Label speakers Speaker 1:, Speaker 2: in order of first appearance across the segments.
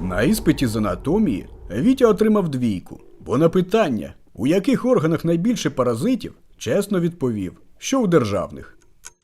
Speaker 1: На іспиті з анатомії Вітя отримав 2, бо на питання, у яких органах найбільше паразитів, чесно відповів, що у державних.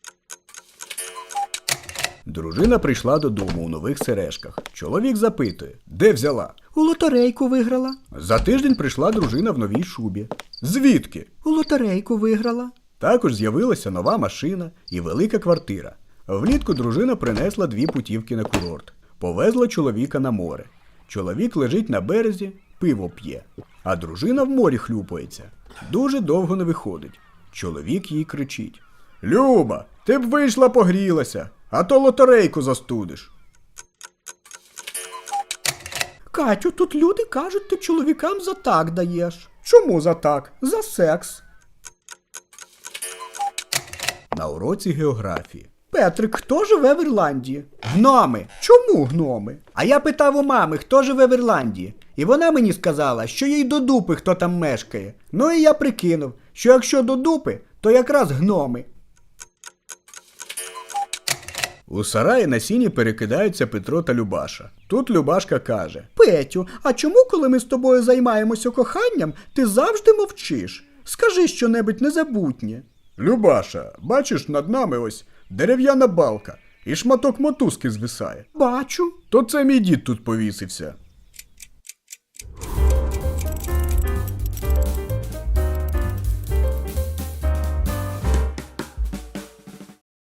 Speaker 1: Дружина прийшла додому у нових сережках. Чоловік запитує, де взяла?
Speaker 2: У лотерейку виграла.
Speaker 1: За тиждень прийшла дружина в новій шубі. Звідки?
Speaker 2: У лотерейку виграла.
Speaker 1: Також з'явилася нова машина і велика квартира. Влітку дружина принесла 2 путівки на курорт. Повезла чоловіка на море. Чоловік лежить на березі, пиво п'є. А дружина в морі хлюпається. Дуже довго не виходить. Чоловік їй кричить. Люба, ти б вийшла погрілася, а то лотерейку застудиш.
Speaker 2: Катю, тут люди кажуть, ти чоловікам за так даєш. Чому за так? За секс.
Speaker 1: На уроці географії.
Speaker 2: Петрик, хто живе в Ірландії? Гноми. Чому гноми? А я питав у мами, хто живе в Ірландії. І вона мені сказала, що їй до дупи, хто там мешкає. Ну і я прикинув, що якщо до дупи, то якраз гноми.
Speaker 1: У сараї на сіні перекидаються Петро та Любаша. Тут Любашка каже.
Speaker 2: Петю, а чому, коли ми з тобою займаємося коханням, ти завжди мовчиш? Скажи щонебудь незабутнє.
Speaker 1: Любаша, бачиш, над нами ось дерев'яна балка і шматок мотузки звисає.
Speaker 2: Бачу.
Speaker 1: То це мій дід тут повісився.